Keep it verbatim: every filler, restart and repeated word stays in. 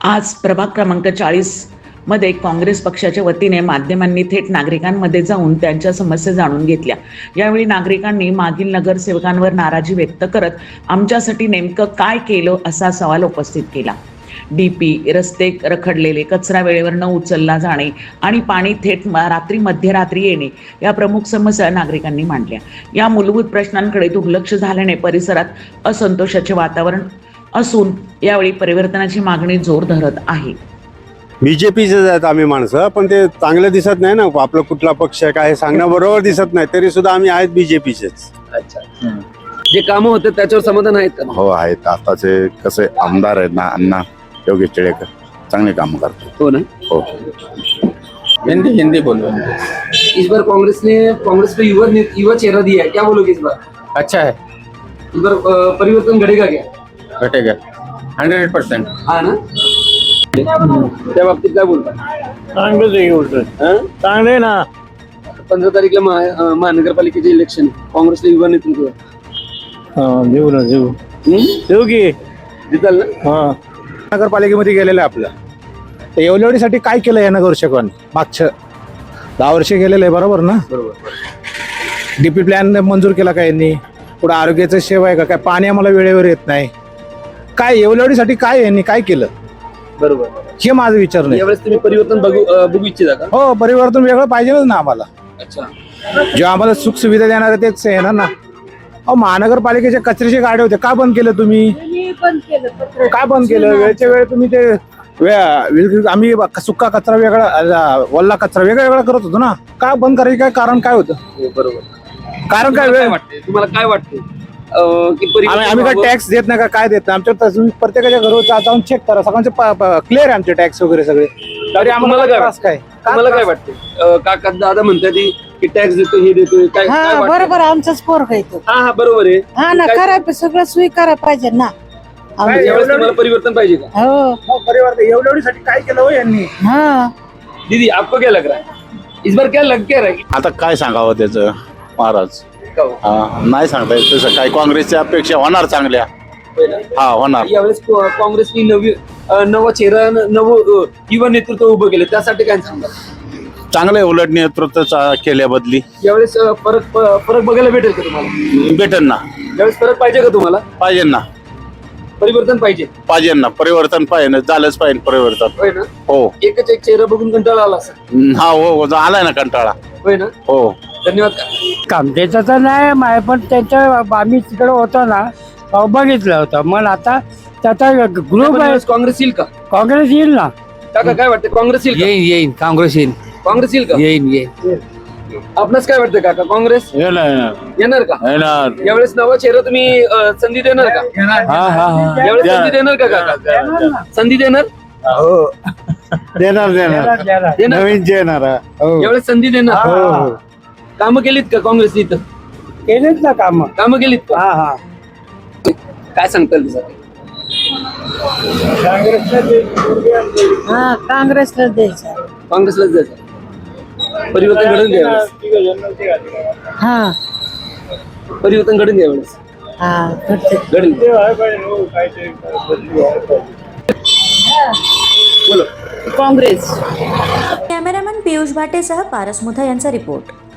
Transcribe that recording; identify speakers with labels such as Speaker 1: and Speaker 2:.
Speaker 1: आज प्रभाग क्रमांक चाळीस मध्ये काँग्रेस पक्षाच्या वतीने माध्यमांनी थेट नागरिकांमध्ये जाऊन त्यांच्या समस्या जाणून घेतल्या। यावेळी नागरिकांनी मागील नगरसेवकांवर नाराजी व्यक्त करत आमच्यासाठी नेमकं काय केलं असा सवाल उपस्थित केला। डीपी, रस्ते रखडलेले, कचरा वेळेवर न उचलला जाणे आणि पाणी थेट रात्री मध्यरात्री येणे या प्रमुख समस्या नागरिकांनी मांडल्या। या मूलभूत प्रश्नांकडे दुर्लक्ष झाल्याने परिसरात असंतोषाचे वातावरण असून यावेळी परिवर्तनाची मागणी जोर धरत आहे।
Speaker 2: बीजेपीचे आहेत आम्ही माणसं, पण ते चांगलं दिसत नाही ना, आपलं कुठला पक्ष आहे काय सांगणं बरोबर दिसत नाही, तरी सुद्धा आम्ही आहेत बीजेपीचेच।
Speaker 3: अच्छा, जे कामं होते त्याच्यावर समाधान आहेत का?
Speaker 4: हो आहेत। आताचे कसे आमदार आहेत ना, अण्णा योगेश टिळेकर चांगले काम करतात।
Speaker 3: हो ना।
Speaker 4: हो,
Speaker 3: हिंदी हिंदी बोलो। इस बार कांग्रेस ने कांग्रेस को युवा युवा चेहरा दिया है, क्या बोलोगे इस बार?
Speaker 5: अच्छा है,
Speaker 3: इस बार अ, परिवर्तन घडेगा क्या?
Speaker 5: घटेगा हंड्रेड परसेंट।
Speaker 3: हा ना। त्या बाबतीत काय बोलता?
Speaker 6: चांगलं बोलतोय, चांगले ना।
Speaker 3: पंधरा तारीखला महा- अ, महानगरपालिकेचे इलेक्शन आहे, काँग्रेसला युवा नेतृत्व आहे।
Speaker 6: हा देऊ ना देऊ
Speaker 3: हम्म?
Speaker 6: देऊ की
Speaker 3: जिताल ना?
Speaker 6: हा
Speaker 7: नगरपालिकेमध्ये गेलेलं आहे आपलं, तर एवढ्यासाठी काय केलं या नगरसेवकांनी? मागच्या दहा वर्षे गेलेलं आहे, बरोबर ना?
Speaker 3: बरोबर।
Speaker 7: डीपी प्लॅन मंजूर केला का यांनी? पुढे आरोग्याचं सेवा आहे का? काय पाणी आम्हाला वेळेवर येत नाही, काय एवढ्यासाठी काय यांनी काय केलं?
Speaker 3: बरोबर।
Speaker 7: हे माझा विचार नाही।
Speaker 3: यावेळेस तुम्ही परिवर्तन बघू अ, बघू इच्छिता का?
Speaker 7: हो, परिवर्तन वेगळं पाहिजेच ना आम्हाला।
Speaker 3: अच्छा।
Speaker 7: जेव्हा आम्हाला सुख सुविधा देणार आहे तेच येणार ना। अहो, महानगरपालिकेच्या कचऱ्याचे गाड्या होते, का बंद केलं तुम्ही? काय बंद केलं? वेळच्या वेळ तुम्ही ते वे- आम्ही सुका कचरा वेगळा, अ, वल्ला कचरा वेगळा वेगळा करत होतो ना, का बंद करायचं? काय कारण काय होतं?
Speaker 3: हो, बरोबर।
Speaker 7: कारण काय?
Speaker 3: तुम्हाला
Speaker 7: वेळ
Speaker 3: वाटते तुम्हाला काय वाटते अ, की
Speaker 7: आम्ही आम्ही काय
Speaker 3: परिवर्तन
Speaker 7: टॅक्स देत नाही का? काय देत नाही आमच्या? तुम्ही प्रत्येकाच्या घरावर जा- जाऊन चेक करा, सगळ्यांचे क्लिअर आहे आमचे टॅक्स वगैरे सगळे। तरी आम्हाला
Speaker 3: तुम्हाला काय
Speaker 7: त्रास काय?
Speaker 3: तुम्हाला काय वाटते? अ, काका दादा म्हणतात की टॅक्स देतो, हे देतो, काय काय
Speaker 8: हा
Speaker 3: वाटतं?
Speaker 8: बरोबर, आमचाच पोरगा येतो।
Speaker 3: हा हा बरोबर आहे।
Speaker 8: हा ना,
Speaker 3: काय-
Speaker 8: करायला सगळं सोयी करायला पाहिजे ना।
Speaker 7: काय
Speaker 3: यावेळेस तुम्हाला परिवर्तन पाहिजे का?
Speaker 8: हो
Speaker 7: हो, परिवर्तन एवढ्यासाठी काय केलं हो यांनी?
Speaker 8: हा
Speaker 3: दीदी आपको क्या लग रहा है इस बार क्या लग क्या रहा है?
Speaker 4: आता काय सांगावं त्याचं महाराज?
Speaker 3: का हो?
Speaker 4: हा, नाही सांगता येत तसं काय। काँग्रेसच्या अपेक्षा होणार चांगल्या,
Speaker 3: होय ना?
Speaker 4: हा होणार।
Speaker 3: यावेळेस को- काँग्रेसनी नवी अ, नवा चेहरा न- नव अ, युवा नेतृत्व उभं केलं, त्यासाठी काय सांगतात?
Speaker 4: चांगले उलट नेतृत्व चा- केल्याबदली
Speaker 3: यावेळेस अ, फरक प- फरक बघायला भेटेल का तुम्हाला?
Speaker 4: भेटेल ना,
Speaker 3: यावेळेस फरक पाहिजे का तुम्हाला?
Speaker 4: पाहिजे ना,
Speaker 3: परिवर्तन पाहिजे,
Speaker 4: पाहिजे ना, परिवर्तन पाहिजे ना, झालंच पाहिजे परिवर्तन।
Speaker 3: होय ना?
Speaker 4: हो,
Speaker 3: एकच एक चेहरा बघून कंटाळा आला असेल,
Speaker 4: हा हो हो, आलाय ना कंटाळा।
Speaker 3: होय ना?
Speaker 4: हो,
Speaker 3: धन्यवाद का?
Speaker 6: कामतेचं तर नाही माय, पण त्यांच्या आम्ही तिकडे होतो ना, अहो, बघितलं होतं। मग आता त्याचा ग्रुप आहे,
Speaker 3: यावेळेस काँग्रेस येईल का?
Speaker 6: काँग्रेस येईल ना।
Speaker 3: काका काय वाटतं, काँग्रेस येईल का?
Speaker 5: येईन येईन काँग्रेस येईन
Speaker 3: काँग्रेस येईल का?
Speaker 5: येईन येईन
Speaker 3: आपणास काय वाटतं काका, काँग्रेस येणार का? यावेळेस नवा चेहरा तुम्ही अ, संधी देणार का?
Speaker 6: हा हा हा
Speaker 3: यावेळेस संधी देणार का काका? संधी देणार?
Speaker 7: हो, देणार देणार
Speaker 3: देणार?
Speaker 7: नवीन देणार। हो
Speaker 3: यावेळेस संधी देणार?
Speaker 7: हो,
Speaker 3: कामं केलीत का काँग्रेसने इथं?
Speaker 6: केलेच ना काम।
Speaker 3: कामं केलीत का?
Speaker 6: हा हा
Speaker 3: काय सांगता येईल त्यासाठी?
Speaker 8: हा काँग्रेसला द्यायचं।
Speaker 3: काँग्रेसलाच द्यायचं, परिवर्तन घडून घ्या यावेळेस,
Speaker 8: हा
Speaker 3: परिवर्तन घडून घ्या यावेळेस,
Speaker 8: हा करते।
Speaker 3: घडेल। बोलो।
Speaker 8: काँग्रेस।
Speaker 9: कॅमेरामॅन पियुष भाटेसह पारस मुथा यांचा रिपोर्ट।